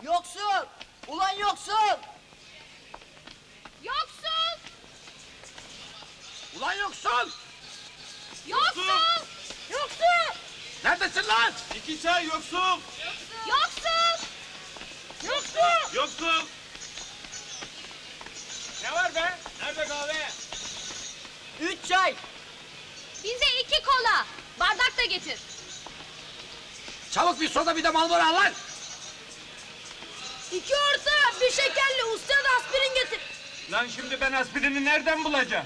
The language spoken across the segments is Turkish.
Yoksul! Ulan yoksul! Yoksul! Ulan yoksul! Yoksul! Yoksul! Neredesin lan? İki çay yoksul! Yoksul! Yoksul! Yoksul! Ne var be? Nerede kahve? 3 çay! Bize 2 kola! Bardak da getir! Çabuk bir soda bir de Marlboro al lan! 2 orta, bir şekerli, usta da aspirin getir! Lan şimdi ben aspirini nereden bulacağım?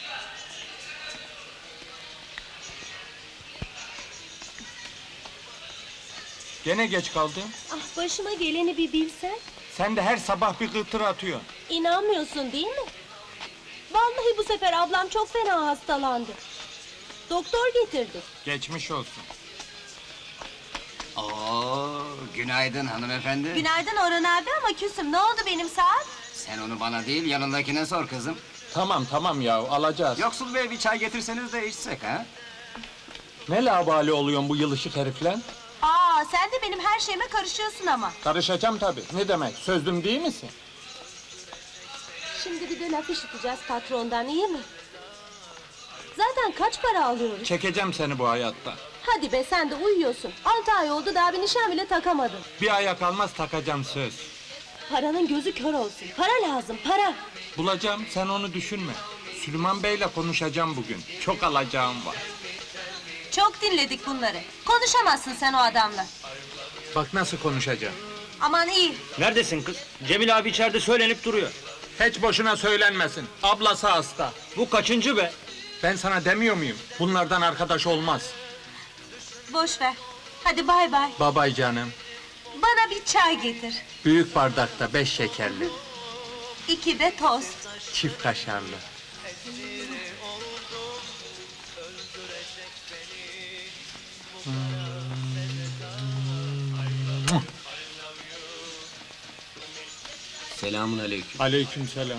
Gene geç kaldın. Ah, başıma geleni bir bilsen. Sen de her sabah bir kıtır atıyorsun. İnanmıyorsun değil mi? Vallahi bu sefer ablam çok fena hastalandı. Doktor getirdi. Geçmiş olsun. Oo, günaydın hanımefendi. Günaydın Orhan abi ama küsüm. Ne oldu benim saat? Sen onu bana değil, yanındakine sor kızım. Tamam ya alacağız. Yoksul bey bir çay getirseniz de içsek ha? Ne labali oluyorsun bu yılışık herifle? Aa, sen de benim her şeyime karışıyorsun ama. Karışacağım tabii. Ne demek? Sözlüm değil misin? Şimdi bir de laf işiteceğiz patrondan, iyi mi? Zaten kaç para alıyoruz? Çekeceğim seni bu hayatta. Hadi be, sen de uyuyorsun. 6 ay oldu, daha bir nişan bile takamadın. Bir aya kalmaz takacağım söz. Paranın gözü kör olsun. Para lazım, para. Bulacağım, sen onu düşünme. Süleyman Bey'le konuşacağım bugün. Çok alacağım var. Çok dinledik bunları. Konuşamazsın sen o adamla. Bak nasıl konuşacağım. Aman iyi. Neredesin kız? Cemil abi içeride söylenip duruyor. Hiç boşuna söylenmesin. Ablası hasta. Bu kaçıncı be? Ben sana demiyor muyum? Bunlardan arkadaş olmaz. Boş ver. Hadi bay bay. Babay canım. Bana bir çay getir. Büyük bardakta 5 şekerli. 2 de tost. Çift kaşarlı. Selamun aleyküm. Aleykümselam.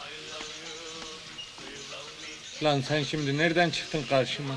Lan sen şimdi nereden çıktın karşıma?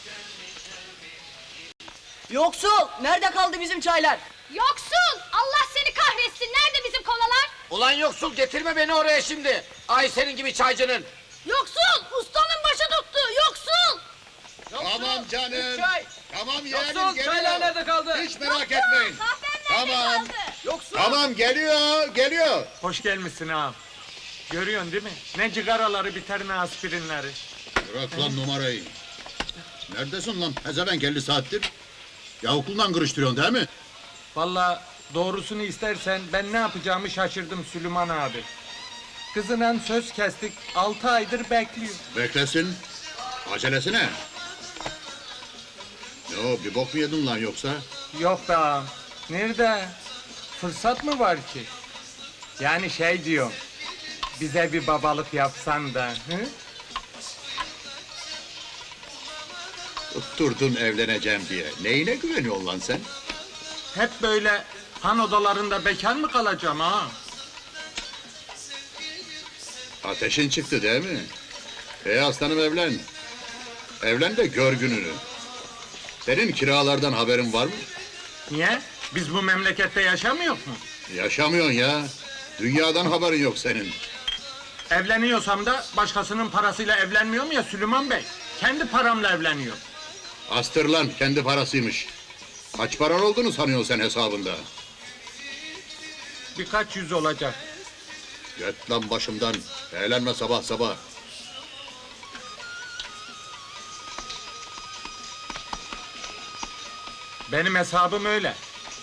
Yoksul! Nerede kaldı bizim çaylar? Yoksul! Allah seni kahretsin! Nerede bizim kolalar? Ulan yoksul getirme beni oraya şimdi! Ay senin gibi çaycının! Yoksul! Ustanın başı tuttu! Yoksul! Tamam canım. 3 çay! Tamam yeğenim Yoksul! geliyor. Çaylar nerede kaldı? Hiç merak etmeyin. Kahven nerede Tamam. kaldı? Yoksul! Tamam geliyor. Hoş gelmişsin ağam. Görüyorsun değil mi? Ne cigaraları biter ne aspirinleri. Bırak lan numarayı. Neredesin lan? Pezevenk 50 saattir. Ya okuldan kırıştırıyorsun değil mi? Vallahi doğrusunu istersen ben ne yapacağımı şaşırdım Süleyman abi. Kızına söz kestik, 6 aydır bekliyor. Beklesin. Acelesi ne? Yo bir bok mu yedin lan yoksa? Yok be ağam. Nerede? Fırsat mı var ki? Yani şey diyorum. Bize bir babalık yapsan da. Hı? Tutturdun evleneceğim diye. Neyine güveniyorsun lan sen? Hep böyle han odalarında bekar mı kalacağım ha? Ateşin çıktı değil mi? Aslanım evlen. Evlen de gör gününü. Senin kiralardan haberin var mı? Niye? Biz bu memlekette yaşamıyor mu? Yaşamıyorsun ya. Dünyadan haberin yok senin. Evleniyorsam da başkasının parasıyla evlenmiyorum ya Süleyman Bey. Kendi paramla evleniyor. Astır lan, kendi parasıymış. Kaç paran olduğunu sanıyorsun sen hesabında? Birkaç yüz olacak. Git lan başımdan. Eğlenme sabah sabah. Benim hesabım öyle.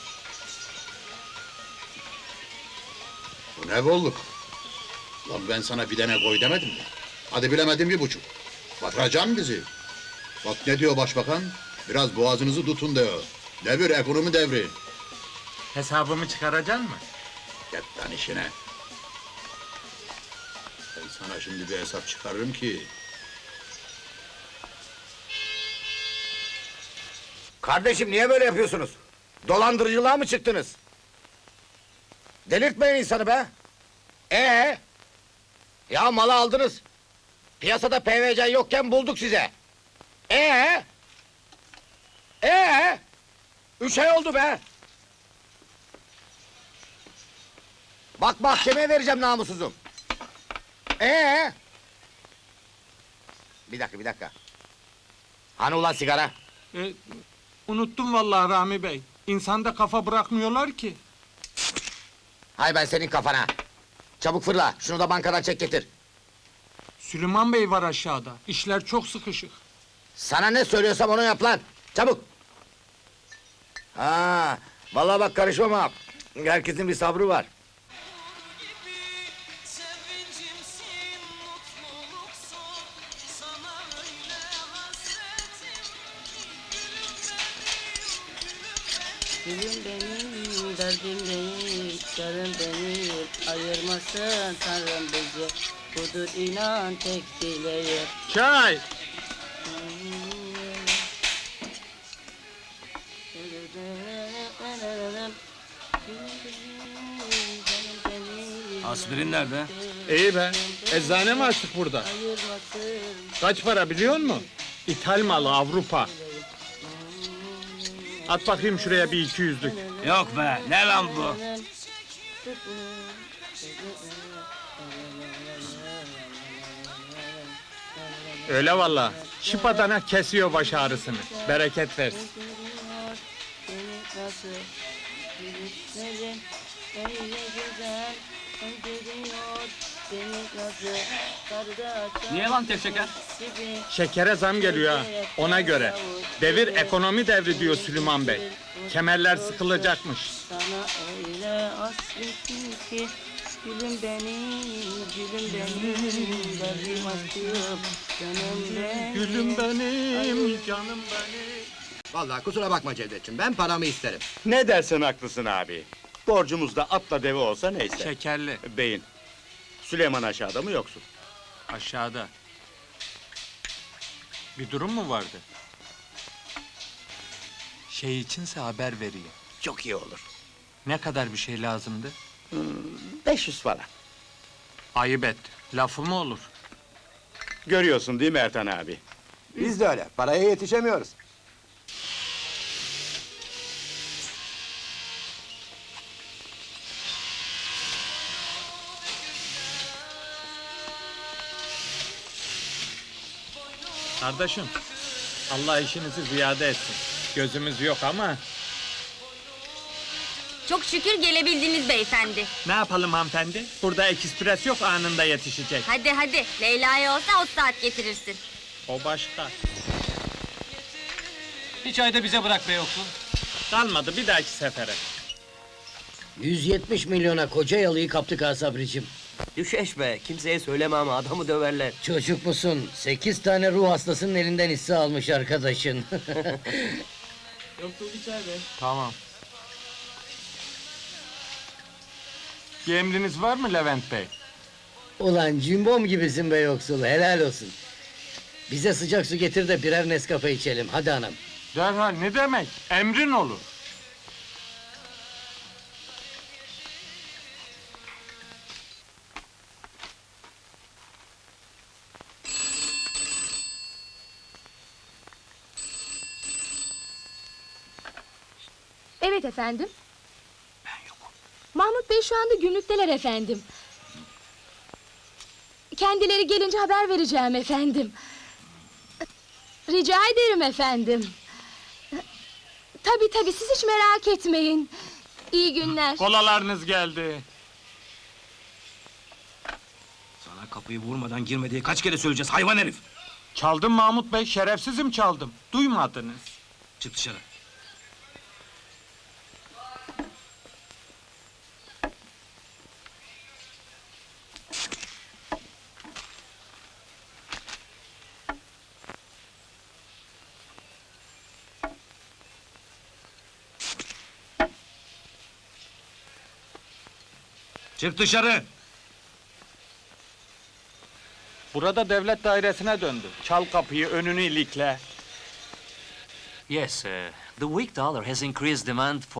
Bu ne bolluk? Lan ben sana bir tane koy demedim mi? Hadi bilemedim 1,5. Batıracaksın bizi. Bak ne diyor başbakan? Biraz boğazınızı tutun diyor. Devir ekonomi devri. Hesabımı çıkaracaksın mı? Git lan işine. Ben sana şimdi bir hesap çıkarırım ki... Kardeşim niye böyle yapıyorsunuz? Dolandırıcılığa mı çıktınız? Delirtmeyin insanı be! Ya malı aldınız. Piyasada PVC yokken bulduk size. 3 ay oldu be! Bak mahkemeye vereceğim namussuzum. Bir dakika. Hani ulan sigara? Unuttum vallahi Rami Bey. İnsanda kafa bırakmıyorlar ki. Hay ben senin kafana. Çabuk fırla, şunu da bankadan çek getir. Süleyman Bey var aşağıda. İşler çok sıkışık. Sana ne söylüyorsam onu yap lan. Çabuk. Vallahi bak karışmam ha. Herkesin bir sabrı var. Gülüm benim, derdim değil, yarım değil, ayırmasın Tanrım bizi. Budur inan tek dileğim. Çay! Aspirin nerede? İyi be. Eczane mi açtık burada? Kaç para biliyor musun? İthal malı Avrupa. At bakayım şuraya bir 200'lük. Yok be, ne lan bu? Öyle valla. Şıpadana kesiyor baş ağrısını. Bereket versin. Niye lan tek şeker? Şekere zam geliyor ha. Ona göre. Devir ekonomi devri diyor Süleyman Bey. Kemerler sıkılacakmış. Sana öyle hasretim ki, gülüm benim, derdim aşkım, canım benim. Gülüm benim, canım benim. Vallahi kusura bakma Cevdetciğim, ben paramı isterim. Ne dersen haklısın abi. Borcumuz da atla deve olsa neyse. Şekerli. Beyin. Süleyman aşağıda mı yoksun? Aşağıda. Bir durum mu vardı? Şey içinse haber vereyim. Çok iyi olur. Ne kadar bir şey lazımdı? 500 falan. Ayıp et. Lafı mı olur? Görüyorsun değil mi Ertan abi? Biz de öyle, paraya yetişemiyoruz. Kardeşim, Allah işinizi ziyade etsin. Gözümüz yok ama Çok şükür gelebildiniz beyefendi. ne yapalım hanımefendi? Burada ekspres yok, anında yetişecek. Hadi hadi, Leyla'ya olsa o saat getirirsin. O başka. Bir çay da bize bırak be yoksul. Kalmadı, bir dahaki sefere. 170 milyona koca yalıyı kaptık ha Sabricim. Düşeş be, kimseye söyleme ama adamı döverler. Çocuk musun? 8 tane ruh hastasının elinden hisse almış arkadaşın. Tamam. Bir emriniz var mı Levent Bey? Ulan cimbom gibisin be yoksul, helal olsun. Bize sıcak su getir de birer Nescafe içelim, hadi anam. Derhal, ne demek? Emrin olur. Evet efendim. Ben yokum. Mahmut Bey şu anda günlükteler efendim. Kendileri gelince haber vereceğim efendim. Rica ederim efendim. Tabii siz hiç merak etmeyin. İyi günler. Kolalarınız geldi. Sana kapıyı vurmadan girme diye kaç kere söyleyeceğiz hayvan herif. Çaldım Mahmut Bey, şerefsizim çaldım. Duymadınız. Çık dışarı. Çık dışarı! Burada devlet dairesine döndü. Çal kapıyı, önünü ilikle. Yes, the weak dollar has increased demand for